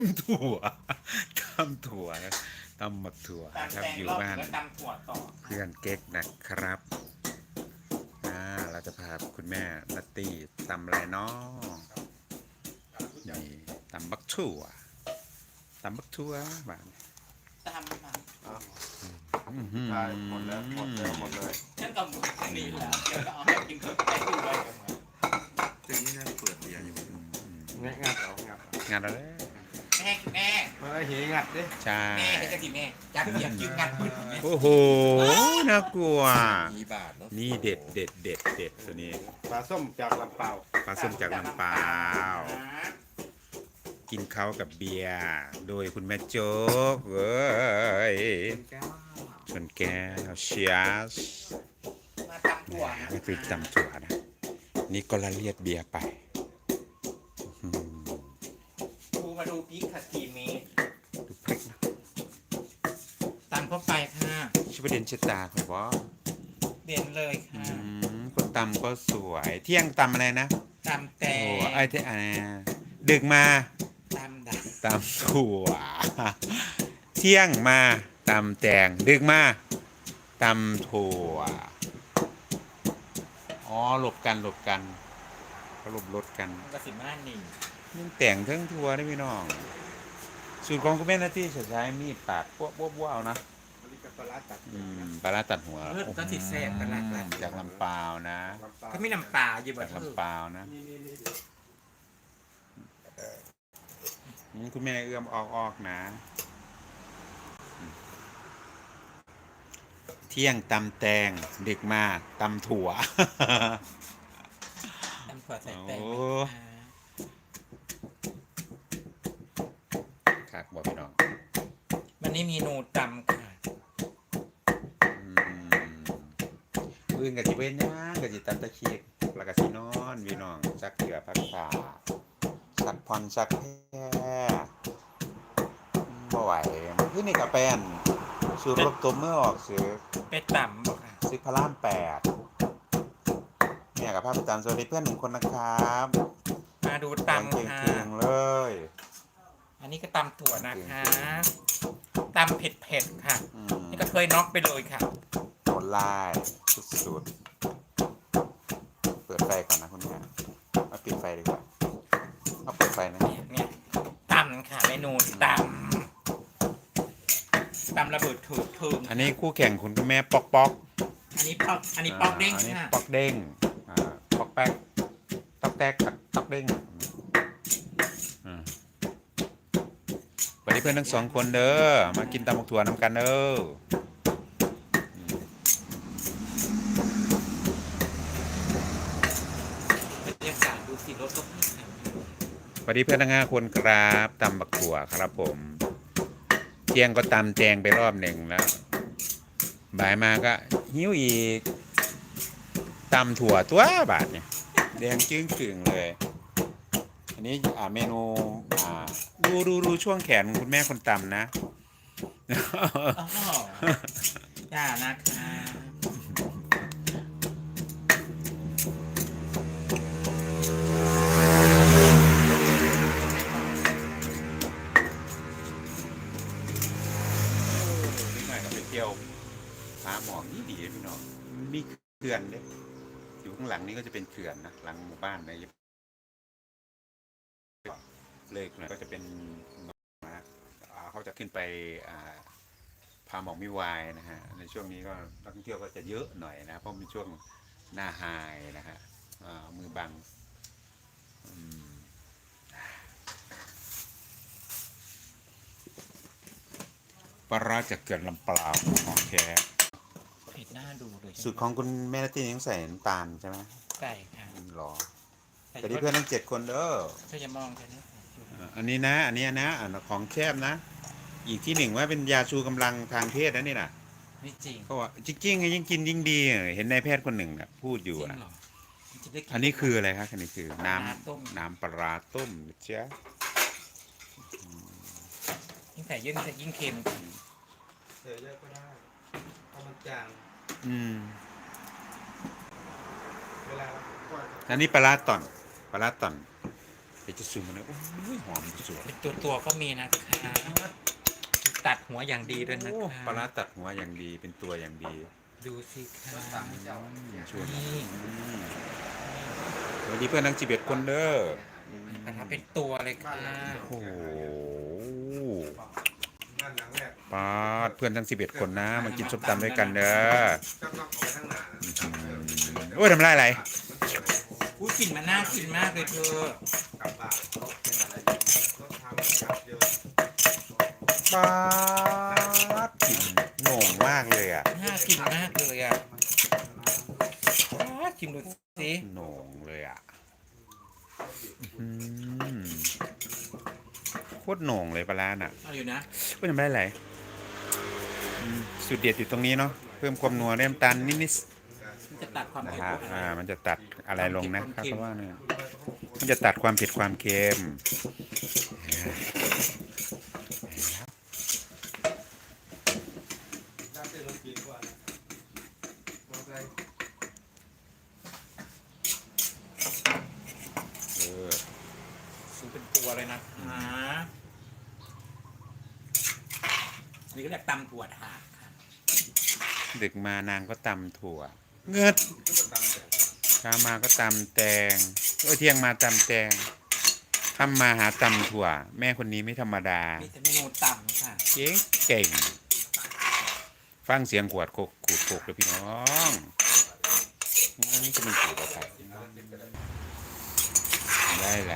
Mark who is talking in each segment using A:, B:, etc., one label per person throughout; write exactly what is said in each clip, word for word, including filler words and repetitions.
A: ำถั่วตำถั่วนะตำหมักถั่ว
B: ตาม
A: ครับ
B: แตง
A: อยู่
B: รอบ
A: บ้าน
B: แล้วตำถั่วต่อ
A: เพื่อนเก๊กนะครับอ่าเราจะพาคุณแม่นัตตี้ตำอะไรเนาะนี่ตำบักถั่วตำบักถั่วบ้าน
B: ตำมา
A: อื้อหือ
C: ใช่หมดแล้วหมดแล้วหมดเลย
B: ฉันก็หมดอันนี้แล้วเดี๋ยวก็เอาให้กินเพิ่มได้ด้วยกันมา
C: ซึ่งนี่น่าเปิดเบียร์อยู่งัดงัดเอางัดเอา
A: งานอะไร
B: แม่แม่
C: มาได้เฮงัดดิ
A: ใช่
B: แม่ให้กะทิแม่จับเหยียบยืนงัดมืดแม่
A: โอ้โหน่ากลัว
C: มีบาทเนาะ
A: นี่เด็ดเด็ดเด็ดเด็ดตัวนี้
C: ปลาส้มจากลำเปา
A: ปลาส้มจากลำปาว กินเขากับเบียร์โดยคุณแม่โจ๊กเว้ย
C: แก้ว
A: ชนแก้วเชียส
B: มาตำถั่วนะ
A: ไม่คือจำถั่วนะ นี่ก็ละเลียดเบียร์ไปอืม
B: ดูมาดูพริกขัดทีเมตร
A: ดูพริกนะ
B: ตำเข้าไปค่ะ
A: ชิบะเด่นชะตาครับว่า
B: เด่นเลย
A: อื
B: ค่ะ
A: มคนตำก็สวย เที่ยงตำอะไรนะ
B: ตำแต
A: โอ้
B: ง
A: ไอ้เที่ยอะไรนะดึกมา
B: ตำดัก
A: ตำถั่ว เที่ยงมาตำแตงดึกมาตำถั่ว อ๋อหลบกันหลบกันก็หลบรถกัน
B: กระสิมาหนึ่ง
A: ยังแต่งเทั้งทัวร์ได้พี่น้อง สูตรของคุณแม่นาที่จะใช้มีดปาดพวกพวกพวกเอานะ
C: บริการปลาร้าตัด
A: อืมปลาร้าตัดหัว
B: เลือดก็ติดแสบกันละกัน
A: จากลำปาวนะ
C: ลำเปา
B: ก็มีน้ำปลาอยู่แบ
A: จาก
B: บ
A: ลำปาวนะ
C: นี่นี่นี่
A: อืมคุณแม่เอื้อมออกออกนะ เที่ยงตำแตงดึกมาตำถั่ว
B: ตำถั่วใส่แตง
A: โอ้ ครับบอกพี่น้อง
B: วันนี้มีนูตำค่ะ
A: อืมอื่นกับจิเว้นย่างกับจิตันตะเคียกแล้วก็สินอนพี่น้องซักเกือพักษาสักพรสักแพ้บ่ไหวที่นี่กับแป้นสูตรรบตัวเมื่อออกซื้อ
B: ไปตำบอกค่ะ
A: ซื้อพระรามแปดเนี่ยกับภาพประจำสวัสดีเพื่อนหนึ่งคนนะครับ
B: มาดู
A: แดง
B: ตำค่ะ
A: เก่งๆเลย
B: อันนี้ก็ตำถั่วนะคะตำเผ็ดๆค่ะ
A: อืม
B: นี่ก็เคยน็อกไปเลยค่ะ
A: โหดลายสุดๆเปิดไฟก่อนนะคุณแม่มาปิดไฟดีกว่าเอาเปิดไฟนะ
B: เนี่ยเนี่ยตำค่ะเมนูตำตำระเบิดถูกถึง
A: อันนี้คู่แข่งคุณคุณแม่ปอกปอก
B: อันนี้ปอกอันนี้ปอกเด้ง
A: อันนี้
B: ค่ะ
A: ปอกเด้งอ่าปอกแป๊กตอกแตกกับตอกเด้งอืมสวัสดีเพื่อนทั้งสองคนเด้อมากินตำบักถั่วน้ำกันเด้ออืม
B: บรรยากาศดูสิรถก็พี่ค่ะ
A: สวัสดีเพื่อนทั้งห้าคนครับตำบักถั่วครับผมเที่ยงก็ตำแจงไปรอบหนึ่งแล้วบ่ายมาก็หิวอีกตำถั่วตัวบาทเนี่ยแดงจึ้งกึ่งเลย อันนี้อ่าเมนูอ่าดูดูดูช่วงแขนคุณแม่คนตำนะ
B: อ๋อจ้านะคะ
A: นิดหน่อยก็ไปเที่ยวหาหมอกนี่ดีพี่น้องมีเขื่อนเด้อยู่ข้างหลังนี้ก็จะเป็นเขื่อนนะหลังหมู่บ้านนะเลยหน่อยก็จะเป็นนะอ่าเขาจะขึ้นไปอ่าพาหมอกมิวายนะฮะในช่วงนี้ก็นักท่องเที่ยวก็จะเยอะหน่อยนะเพราะเป็นช่วงหน้าไฮนะฮะอ่ามือบังอืมปลาร้าจากเขื่อนลำปาวของแท้
B: เผ็ดหน้าดูเลย
A: สูตรของคุณแม่นาตี้ยังใส่น้ำตาลใช่ไหม
B: ไก่ค่ะ
A: หรอแต่ที่เพื่อนทั้งเจ็ดคนเด้อ
B: เธอจะมองแค่นี้
A: อ่าอันนี้นะอันนี้นะอันของแคบนะ อีกที่หนึ่งว่าเป็นยาชูกำลังทางเพศนะนี่นะ
B: ไม่จริง
A: เขาว่าจริงๆยิ่งกินยิ่งดีเห็นนายแพทย์คนหนึ่งนะพูดอ
B: จริ
A: ยู่
B: ง
A: นะ
B: เหรอจะได้กิ
A: อันนี้คืออะไรครับอันนี้คือน้
B: ปลาร้าต้ม
A: ำน้ำปลาร้าต้มนะเจ้า
B: ยิ่งใส่เยอะยิ่งเค็ม
C: เธอเยอะก็ได้เพราะมันจาง
A: อืม
C: เวลาเราทอด
A: อันนี้ปลาร้าต่อนปลาร้าต่อนเดี๋ยวจะซูมมันนะโอ้ยหอมสวย
B: เป็นตัวตัวๆก็มีนะคะตัดหัวอย่างดีด้วยนะ
A: โอ้
B: คะ
A: ปลาร้าตัดหัวอย่างดีเป็นตัวอย่างดี
B: ดูสิคะ
A: ชวน
B: นี่
A: สวัสดีเพื่อนทั้งสิบเอ็ดคนเด้อ
B: ปลาร้าเป็นตัวเลยค่ะ
A: โอ้โห
C: บ้านหลังแรก
A: ปาดเพื่อนทั้งสิบเอ็ดคนนะมากินส้มตำด้วยกันเด้อ
C: ก็ต้องเอาไปข้างหน้า
A: โอ้ยทำไรอะไร
B: อุ้ยกลิ่นมันน่ากินมากเลยเธอก
C: ลับบ้านเป็นอะไรต้องทำครับเยอะ
A: ปาดกลิ่นโหน่งมากเลยอ่ะ
B: น่ากินมากเลยอ่ะว้าชิมดูสิ
A: โหน่งเลยอ่ะอืมโคตรโหน่งเลยปลาร้าน่ะ
B: เอาอยู่นะ
A: ก็ยังไม่ได้ไหลอืมสูตรเด็ดอยู่ตรงนี้เนาะเพิ่มความนัวเริ่มตาลนิด
B: มันจะตัดความ
A: ๆนะ
B: เผ็ด
A: ฮะ
B: ของ
A: อ่า
B: อะไร
A: มันจะตัดอะไรลงนะครับเพราะว่าเนี่ยมันจะตัดความเผ็ดความเค็ม
C: น้ำเต้นรถกินกว่านะมอไซค์
A: เออ
B: ซื้อเป็นตัวเลยนะคะนี่ก็เรียกตำถั่วถาดค่ะ
A: ดึกมานางก็ตำถั่ว เงือด
C: ก็ตามแต่
A: เช้ามาก็ตำแตงเออเที่ยงมาตำแตงค่ำมาหาตำถั่ว แม่คนนี้ไม่ธรรมดา
B: มีแต่เมนูตำค่ะ
A: เก่งเก่ง ฟังเสียงขวดโคกขูดโคกเลยพี่น้องนี่จะมีขูดอะไรได้อะไร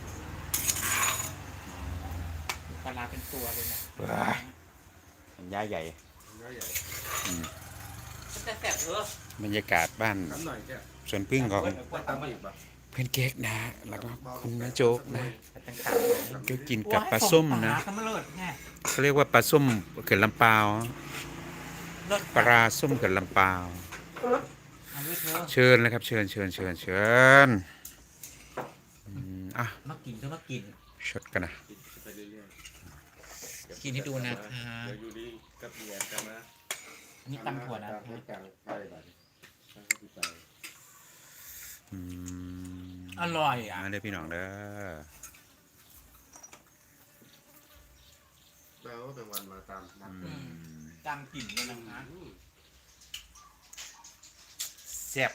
B: ปลาร้าเป็นตัวเลยนะ
A: ว้าย มันย่าใหญ่
C: น้อยใหญ่
B: แต่แสบเออบ
A: รรยากาศบ้าน
C: น้ำหน่อยแก
A: สวนพึ่งของ
C: ว่าตามมาอีกป่ะ
A: เพื่อนเก๊กนะ แล้วก็คุณนะโจ๊กนะ
B: ต่างๆ
A: ก็กินกับปลาส้มนะ
B: ปลาส้มเลิศไง
A: เขาเรียกว่าปลาส้มเขื่อนลำปาว
B: เลิศ
A: ปลาส้มเขื่อนลำปาว
B: เอาด้วยเธอ
A: เชิญเลยครับ เชิญเชิญเชิญเชิญอืมอ่ะ
B: มากินก็มากิน
A: ชดกันนะ
C: ไปเรื่อยๆ
B: กินให้ดูนะคะ
C: เดี๋ยวอยู่ดีกับเมียกันนะ
B: นี่ตำถั่วนะ
C: ให้กลางไปบัดนี้ไป
A: อืม
B: อร่อยอ่ะ
A: มาเลยพี่น้องเด้อ
C: แล้วเป็นวันมาตามนัด
A: อืม
B: ตำกลิ่นเลยนะคะ
A: แซ่บ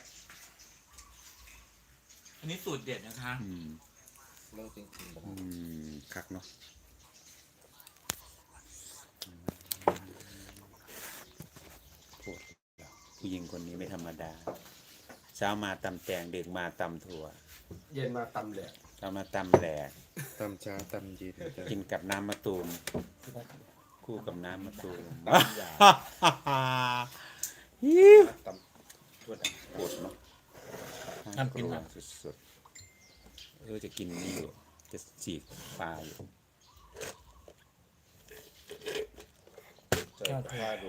B: อันนี้สูตรเด็ดนะคะ
A: อืม
C: เลิกจริงๆ
A: อืมคักเนาะโคตรผู้หญิงคนนี้ไม่ธรรมดา เช้ามาตำแตงเด็กมาตำถั่ว
C: เย็นมาตำแหลก
A: เช้ามาตำแหลก
C: ตำเช้าตำเย็น
A: กินกับน้ำมะตูม คู่กับน้ำมะตูม
C: ตำยา
A: ฮิว
C: ตำทั่วด
A: ปวดเนาะ
B: น้ำกิน
A: น่า
B: นะ
A: กลัวสุดๆเออจะกินนี่อยู่ จะจีกปลาอยู่
C: ำเจอข้าดู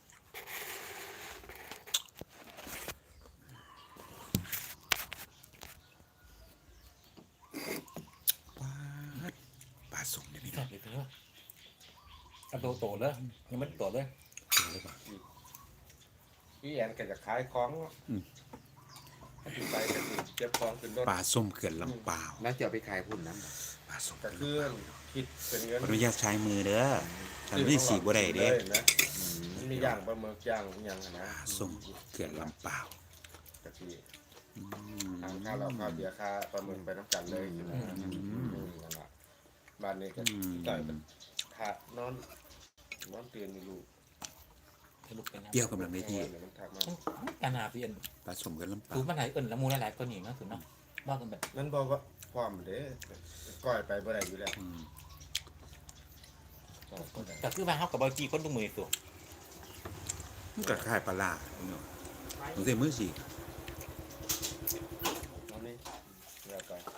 A: ปลาปลาสุกเนี่ยพี่
B: ช
A: น้
B: อ
A: อบ ง
B: เลยเธอเอาโตโตเลยยังไม่โตเลย
A: กินเลยป่ะ
C: พี่แอนแกจะขายของ
A: อืม
C: ขึ้นไปก็คือเก็บของขึ้นรถ
A: ปลาส้มเขื่อนลำปาว
C: แล้วจะเอาไปขายพุ่นน้ำ
A: ปลาส้ม
C: กระเคลื่อนคิดเป็นเงิน
A: ขออนุญาตใช้มือเด้อทำนี่สีบ่ได้เด้
C: เลยนะมันมีย่างปลาหมึกย่างอยังนะ
A: ปลาส้มเขื่อนลำปาว
C: กะทิ
A: อืม
C: ทางข้าวเราข้าวเบียร์ค่าปลาหมึกไปน้ำกันเลยนะนั่นแหละบ้านนี้ก็จ่ายเป็นค่านอนนอนเตียนมีลูก
B: ทะลุเป็น
A: เปรี้ยวกำลังได้ที่
C: มันทักมา
B: การนาเพียน
A: ปลาส้มเขื่อนลำปา
B: สู
A: ว
B: ตรมันไหนเอิ่นละมูหลายๆคนนี่เนาะสูตรเนาะว่ากันแบบ
C: นั่นบอกว่าความเด้ก้อยไปบ่ได้อยู่แล้ว
A: อืม
B: แต่คือว่าเขากับบอจีคนดูมือตัว
A: มันก็คล้ายปลาล่าเนาะผมใส่มือสี
C: น้องนี่เดี๋ยวก่อน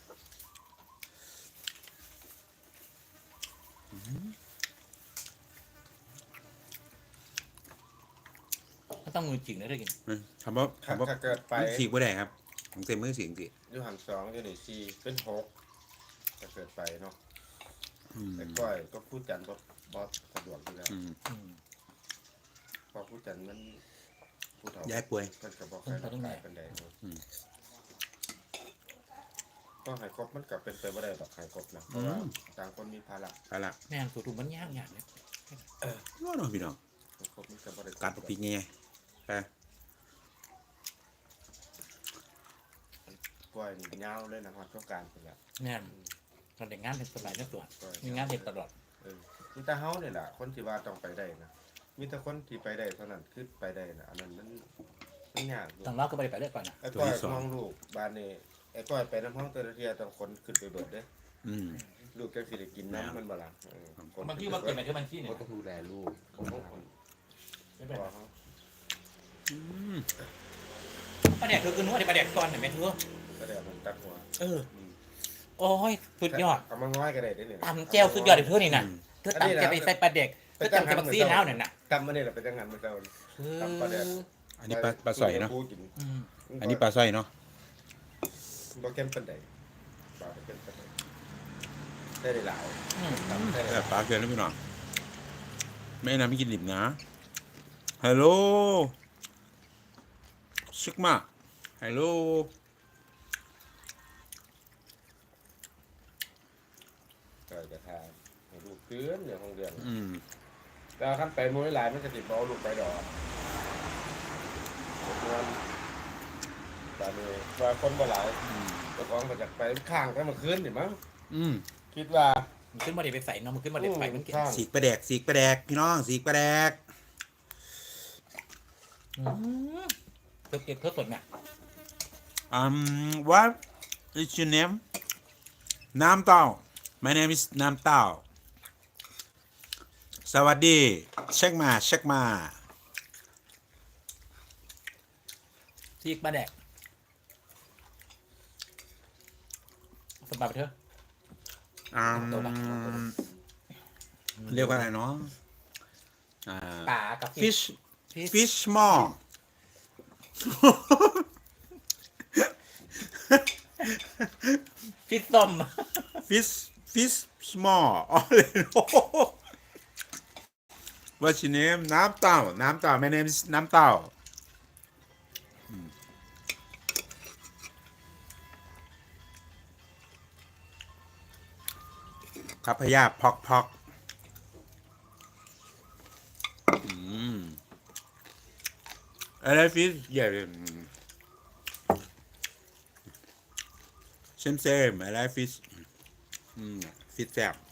B: ก็ต้องมือจริงนะเรื่องกิน
A: คำว่า
C: ถ้า
A: คำว่า
C: ถ้าเกิดไป
A: สีบ่ได้ครับผมใส่มือสีจริง
C: อยู่หันสองอยู่นี่สี่เป็นหกถ้าเกิดไปเนาะ
A: ๆอืม
C: แต่ก้อยก็พูดกันบอบอสสะดวกอยู่แล้ว
A: อืม
B: อืม
C: พอพูดกันมันพูดเถา
A: ย้ายป่วย
C: มันก็บอกใครรับใครเป็นใดเนาะก็หายครบมันกลับเป็นไปไม่ได้แบบหายครบนะเพราะว่าต่างคนมีภาระ
A: ไปละ
B: แม่งสูตรถุงมันยากอย่างเนี่ย
A: น้องพี่น้อง
C: หายครบมันกลับไม่ได้
A: กัดปีกไงไป
C: กล้วยนี่เงาเลยนะฮอดต้องการเป็นแบบ
B: แม่งเราเด็กงานเป็นสบายนะตัวมีงานเด็ดตลอด
C: เออมีแต่เฮาเนี่ยแหละคนที่ว่าต้องไปได้นะมีแต่คนที่ไปได้เท่านั้นคือไปได้นะอันนั้นมันมันยากอยู่
B: ต้องเล่าก็ไปไปเรื่อยก่อนนะ
C: ไอ้ก้อยมองลูกบ้านนี่ไอ้ก้อยไปน้ำห้องเตอร์เทียต้องคนขึ้นไปเบิดเด้
A: อืม
C: ลูกจังสิได้กินน้ำมันบ่ล่ะเออคน
B: บางทีมันเกิดมาที่บางที่เนี่ย
C: ก็ต้องดูแลลูกผมต้องคน
B: ไม่เป็น
C: พ่
B: ไร
C: อเขา
A: อืม
B: ปลาแดกคือคือนู้นไอ้ปลาแดกก่อนเห็นไหมทุก
C: ก็ได้มันตัดหัว
B: เออโอ้ยสุดยอด
C: เอามาง้อยก็ได้เด้เนี่ย
B: ตำแจ่วสุดยอดเลยเพื่อนนี่นะเธอตำแจ่วไปใส่ปลาแดกเธอตำแจ่วบักซี่แล้วเนี่ยนะ
C: ตำมาเนี่ยแหละเป็นจังหันมันเจ้า ตำปลาแดก
A: อันนี้ปลาปลาสอยเนาะ
C: ผู้กิน
B: อืม
A: อันนี้ปลาสร้อยเนาะ
C: บ่เข้มปานใดปลาบ่เข้มปานใดได้ได้หลาย
B: อืม
C: ตำได้ห
A: แบ
C: ลาย
A: บปลาเกลือนะพี่น้องไม่นะไม่กินดิบนะฮัลโหลซึกมาฮัลโหล
C: ก็จะทานให้ลูกเตือนอย่างของเดือน
A: อืม
C: แต่ขั้นไปมวยหลายมันจะติดบอลลูกไปดอกเดือนตอนนี้ว่าคนบ่หลาย
A: อืม
C: เจ้าของก็จะไปข้างกันเมื่อคืนนี่มั้ง
A: อืม
C: คิดว่า
B: มันขึ้นมาเด็กไปใส่เนาะมันขึ้นมาเด็กไปมันเก่ง
C: ข้าง
A: สีกปลาแดกสีกปลาแดกพี่น้องสีกปลาแดก
B: อืมเธอเก็บเธอสดเนี่ย
A: อืม what is your name น้ำเต้า my name is น้ำเต้าสวัสดีเช็คมาเช็คมา
B: ซีกปลาแดกสบายไปเถอะ
A: อืมเรียกว่าอะไรเนาะอ่า
B: ป่ากับ
A: fish fish small
B: ฟิชส้ม
A: fish fish small อ๋อเลยโอ้โห What's your name น้ำเต้าน้ำเต้า my name is น้ำเต้าอืมพัพยาพอกพอกอืมอะไรฟิชใหญ่เซมเซมอะไรฟิชอืมฟิชแซ่บ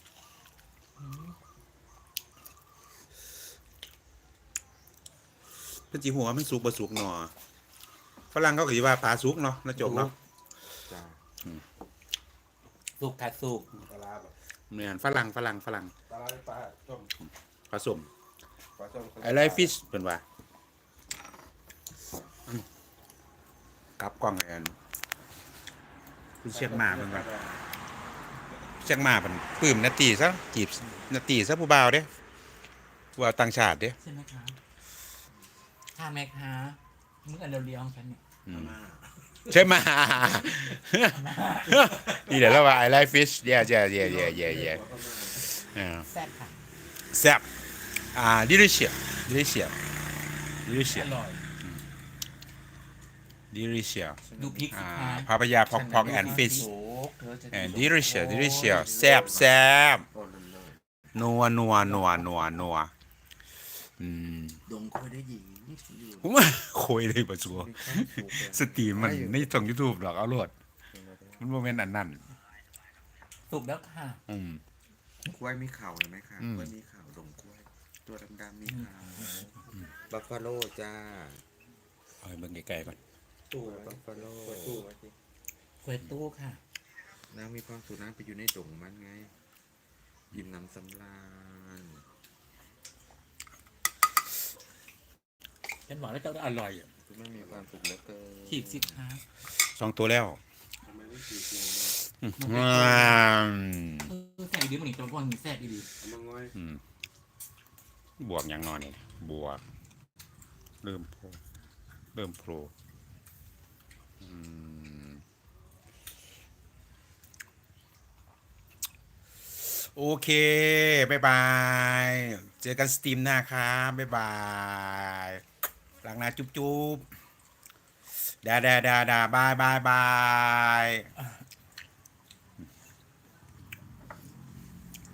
A: เพิ่นจีหัวมันสุกบ่สุกหนอฝรั่งเขาก็สิว่าปลาสุกเนาะนะจบเนาะ
C: จ้า
B: สุกค่ะสุก
C: ปลาร้าแบบ
A: เหมือนฝรั่งฝรั่งฝรั่ง
C: ปลาร้าปลาต้ม
A: ผสม
C: ปลาต้ม
A: อะไรฟิชเป็นว่าอืมกลับกล้องเลยอันคุณเชียงมาเป็นว่าเชียงมาเป็นปื้มนาตีซะจีบนาตีซะผู้บ่าวเด้ผู้บ่าวต่างชาติเด้
B: ใช่ไหมคะถ้าแม่ค้ามึงอันเดียวๆของฉันเนี่ย
A: อืมใช่ไหม นี่เดี๋ยวเราว่า I like fish yeah yeah yeah yeah yeah yeah อ่า
B: แซ่บค่ะ
A: แซ่บอ่า delicious delicious
B: อ
A: delicious
B: ร่อย
A: delicious
B: ดูพริกสิ
A: อ่า
B: คะ
A: พาพยาพอกพอก and fish
B: โอ้เธอจะ
A: and delicious delicious แซ่บแซ่บ
C: ต้นน้อย
A: นัวนัวนัวนัวนัวอืม
C: ดงคอยได้หญิงอยู่
A: ผมว่าคุยเลยประชัวสตรีมมันในช่อง YouTube หรอกเอาโลดมันโมเมนต์อันนั้น
B: สุกแล้วค่ะ
A: อืม
D: กล้วยมีเข่าเห็นไหมคะ
A: อืม
D: กล้วยมีเข่าดงกล้วย ตัวดำๆมีเข่าบัฟฟาโลจ้า
A: เอาให้เบิ่งไกลๆก่อน
C: ตู้
D: บัฟฟาโล
C: ตู้มาสิ
B: กล้วยตู้ค่ะ
D: นางมีความสุขนางไปอยู่ในดงมันไง ยิ้มน้ำสำราญ
B: ฉันบอกแล้วเจ้าอร่อยอะ
D: คุณแม่มีความสุขเหลือเกิน
B: ขีดสิคะ
A: สองตัวแล้ว
C: ทำไมไม่สีเขียว
A: อืม
B: เออแซ่บอีดีมันอีกตรงก้อนมีแซ่บอีดี
C: เอามาง้อย
A: อืมบวกอย่างนอนนี่บวก เริ่มโผล่เริ่มโผล่อืมโอเค บ๊ายบาย เจอกันสตรีมหน้าครับบ๊ายบายหลังหน้าจุ๊บจุ๊บดาดาดาดาบายบายบาย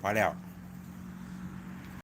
A: พอแล้ว